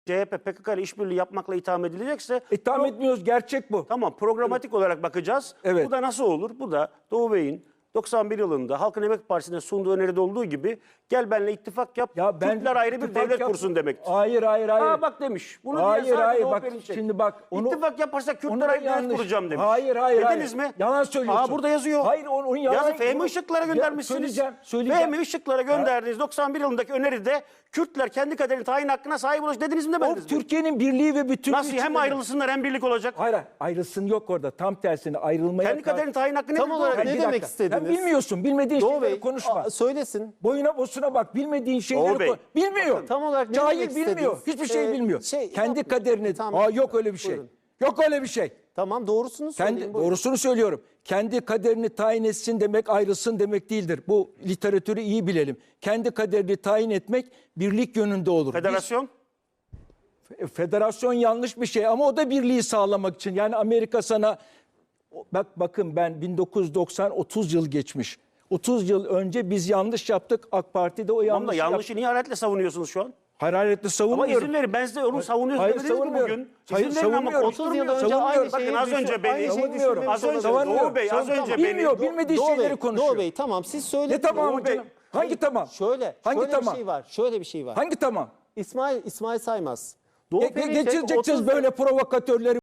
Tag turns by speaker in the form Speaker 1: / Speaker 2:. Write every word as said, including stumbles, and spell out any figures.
Speaker 1: C H P P K K ile işbirliği yapmakla itham edilecekse...
Speaker 2: İtham
Speaker 1: pro-
Speaker 2: etmiyoruz, gerçek bu.
Speaker 1: Tamam, programatik evet. olarak bakacağız.
Speaker 2: Evet.
Speaker 1: Bu da nasıl olur? Bu da Doğu Bey'in doksan bir yılında Halkın Emek Partisi'ne sunduğu öneride olduğu gibi gel benimle ittifak yap,
Speaker 2: Ya ben
Speaker 1: Kürtler ayrı bir
Speaker 2: ittifak
Speaker 1: devlet
Speaker 2: yap-
Speaker 1: kursun demektir.
Speaker 2: Hayır hayır hayır.
Speaker 1: Aa bak demiş. Bunu
Speaker 2: Hayır,
Speaker 1: diyen sadece
Speaker 2: hayır,
Speaker 1: Doğu
Speaker 2: bak,
Speaker 1: Perinçek.
Speaker 2: şimdi bak, onu-
Speaker 1: İttifak yaparsak
Speaker 2: Onu
Speaker 1: Kürtler
Speaker 2: da
Speaker 1: ayrı devlet
Speaker 2: yanlış.
Speaker 1: kuracağım demiş.
Speaker 2: Hayır hayır
Speaker 1: Dediniz
Speaker 2: hayır.
Speaker 1: mi?
Speaker 2: Yalan söylüyorsun.
Speaker 1: Aa burada yazıyor.
Speaker 2: Hayır onu, onu yalan.
Speaker 1: Yazı Fehmi
Speaker 2: bunu-
Speaker 1: Işıklara
Speaker 2: Ya,
Speaker 1: göndermişsiniz.
Speaker 2: söyleyeceğim, söyleyeceğim.
Speaker 1: Fehmi Işıklara gönderdiğiniz doksan bir yılındaki öneride Kürtler kendi kaderini tayin hakkına sahip olacak dediniz mi
Speaker 2: O
Speaker 1: demediniz mi?
Speaker 2: Türkiye'nin birliği ve bütünlüğü
Speaker 1: Nasıl hem
Speaker 2: içinde-
Speaker 1: ayrılsınlar hem birlik olacak?
Speaker 2: Hayır hayır, ayrılsın yok orada. Tam tersine ayrılmaya...
Speaker 1: Kendi kaderini tayin hakkı
Speaker 3: Tam
Speaker 1: nedir?
Speaker 3: olarak
Speaker 1: Doğu Bey?
Speaker 3: ne
Speaker 2: Bir
Speaker 3: demek
Speaker 2: dakika.
Speaker 3: istediniz?
Speaker 2: Sen bilmiyorsun. Bilmediğin
Speaker 3: Doğu
Speaker 2: şeyleri
Speaker 3: Bey
Speaker 2: konuşma.
Speaker 3: a- söylesin.
Speaker 2: Boyuna bosuna bak. Bilmediğin şeyleri
Speaker 1: Doğu Bey,
Speaker 2: ko- bilmiyor.
Speaker 3: tam olarak ne
Speaker 2: Cahil
Speaker 3: demek
Speaker 2: bilmiyor.
Speaker 3: istediniz?
Speaker 2: Hiçbir şey
Speaker 3: Ee,
Speaker 2: bilmiyor.
Speaker 3: şey,
Speaker 2: Kendi
Speaker 3: yapmayın.
Speaker 2: kaderini...
Speaker 3: Tamam.
Speaker 2: Aa, yok öyle bir şey.
Speaker 3: Buyurun.
Speaker 2: Yok öyle bir şey.
Speaker 3: Tamam doğrusunu söyleyin.
Speaker 2: Kendi,
Speaker 3: buyurun.
Speaker 2: doğrusunu söylüyorum. Kendi kaderini tayin etsin demek ayrılsın demek değildir. Bu literatürü iyi bilelim. Kendi kaderini tayin etmek birlik yönünde olur. Biz-
Speaker 1: Federasyon?
Speaker 2: Federasyon yanlış bir şey ama o da birliği sağlamak için. Yani Amerika sana bak bakın ben bin dokuz yüz doksan otuz yıl geçmiş. otuz yıl önce biz yanlış yaptık. AK Parti de o
Speaker 1: Tamam da
Speaker 2: yanlışı
Speaker 1: yanlışı
Speaker 2: yap-
Speaker 1: niye hararetle savunuyorsunuz şu an?
Speaker 2: hararetle
Speaker 1: Ama
Speaker 2: savunmuyorum.
Speaker 1: izin verin ben size onu savunuyorsunuz
Speaker 2: hayır,
Speaker 1: demediniz mi
Speaker 2: savunmuyorum.
Speaker 1: bugün?
Speaker 2: Hayır,
Speaker 1: İzin verin ama
Speaker 2: savunmuyorum.
Speaker 3: otuz yıl
Speaker 1: konuşturmuyorum.
Speaker 3: önce aynı
Speaker 2: Savunmuyorum.
Speaker 3: şeyi
Speaker 1: Bakın az
Speaker 3: düşün-
Speaker 1: önce beni-
Speaker 3: aynı şeyi
Speaker 2: Savunmuyorum.
Speaker 3: düşünmemiş
Speaker 1: Az önce
Speaker 3: olabilir.
Speaker 1: Doğu Bey az önce beni...
Speaker 2: Bilmiyor, bilmediği
Speaker 3: Doğu
Speaker 2: şeyleri
Speaker 3: Bey,
Speaker 2: konuşuyor.
Speaker 3: Doğu Bey tamam siz söyleyin.
Speaker 2: Ne tamam
Speaker 1: Doğu Bey,
Speaker 2: canım? Hangi tamam?
Speaker 3: Şöyle,
Speaker 2: Hangi
Speaker 3: şöyle
Speaker 2: tamam?
Speaker 3: bir şey var. Şöyle bir şey var.
Speaker 2: Hangi tamam?
Speaker 3: İsmail İsmail Saymaz. Doğu
Speaker 2: Ge-
Speaker 3: Perinçek
Speaker 2: Geçireceksiniz
Speaker 3: otuz
Speaker 2: böyle provokatörleri.